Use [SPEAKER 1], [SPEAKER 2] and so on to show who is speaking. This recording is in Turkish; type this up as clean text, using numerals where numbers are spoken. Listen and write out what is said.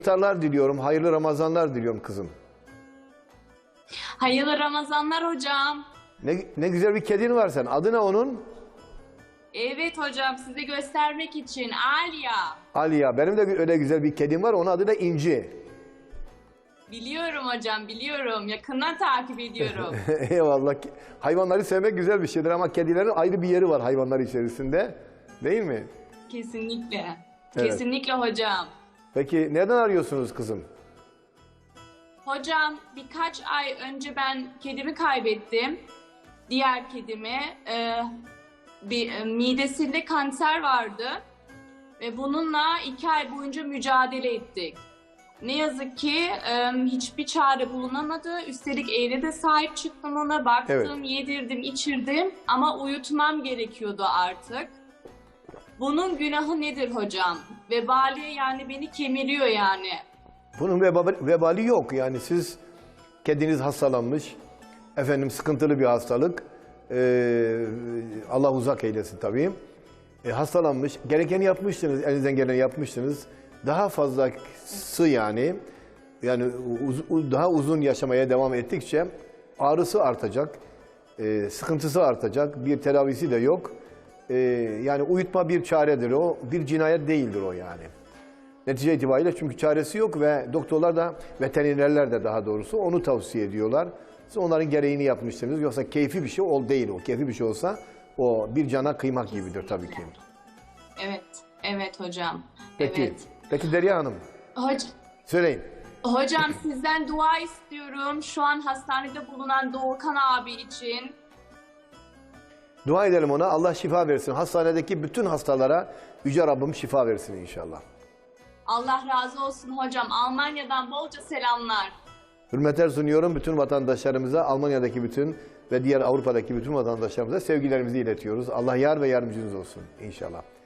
[SPEAKER 1] İftarlar diliyorum, hayırlı Ramazanlar diliyorum kızım.
[SPEAKER 2] Hayırlı Ramazanlar hocam.
[SPEAKER 1] Ne güzel bir kedin var sen. Adı ne onun?
[SPEAKER 2] Evet hocam, size göstermek için Aliya.
[SPEAKER 1] Aliya. Benim de öyle güzel bir kedim var. Onun adı da İnci.
[SPEAKER 2] Biliyorum hocam, biliyorum. Yakından takip ediyorum.
[SPEAKER 1] Eyvallah. Hayvanları sevmek güzel bir şeydir ama kedilerin ayrı bir yeri var hayvanlar içerisinde. Değil mi?
[SPEAKER 2] Kesinlikle.
[SPEAKER 1] Evet.
[SPEAKER 2] Kesinlikle hocam.
[SPEAKER 1] Peki neden arıyorsunuz kızım?
[SPEAKER 2] Hocam birkaç ay önce ben kedimi kaybettim. Diğer kedimi. Midesinde kanser vardı. Ve bununla 2 ay boyunca mücadele ettik. Ne yazık ki hiçbir çare bulunamadı. Üstelik evde de sahip çıktım ona. Baktım,
[SPEAKER 1] Evet.
[SPEAKER 2] yedirdim, içirdim. Ama uyutmam gerekiyordu artık. Bunun günahı nedir hocam? Vebali yani beni kemiriyor yani.
[SPEAKER 1] Bunun vebali yok. Yani siz kediniz hastalanmış. Efendim sıkıntılı bir hastalık. Allah uzak eylesin tabii. Hastalanmış. Gerekeni yapmışsınız. Elinizden geleni yapmışsınız. Daha fazlası yani daha uzun yaşamaya devam ettikçe ağrısı artacak. Sıkıntısı artacak. Bir tedavisi de yok. Yani uyutma bir çaredir o. Bir cinayet değildir o yani. Netice itibariyle çünkü çaresi yok ve doktorlar da, veterinerler de daha doğrusu onu tavsiye ediyorlar. Siz onların gereğini yapmışsınız. Yoksa keyfi bir şey değil o. Keyfi bir şey olsa o bir cana kıymak gibidir tabii ki.
[SPEAKER 2] Evet, evet hocam.
[SPEAKER 1] Peki,
[SPEAKER 2] Evet.
[SPEAKER 1] peki Derya Hanım, söyleyin.
[SPEAKER 2] Hocam sizden dua istiyorum. Şu an hastanede bulunan Doğukan abi için.
[SPEAKER 1] Dua edelim ona. Allah şifa versin. Hastanedeki bütün hastalara Yüce Rabbim şifa versin inşallah.
[SPEAKER 2] Allah razı olsun hocam. Almanya'dan bolca selamlar.
[SPEAKER 1] Hürmetler sunuyorum bütün vatandaşlarımıza, Almanya'daki bütün ve diğer Avrupa'daki bütün vatandaşlarımıza sevgilerimizi iletiyoruz. Allah yar ve yardımcınız olsun inşallah.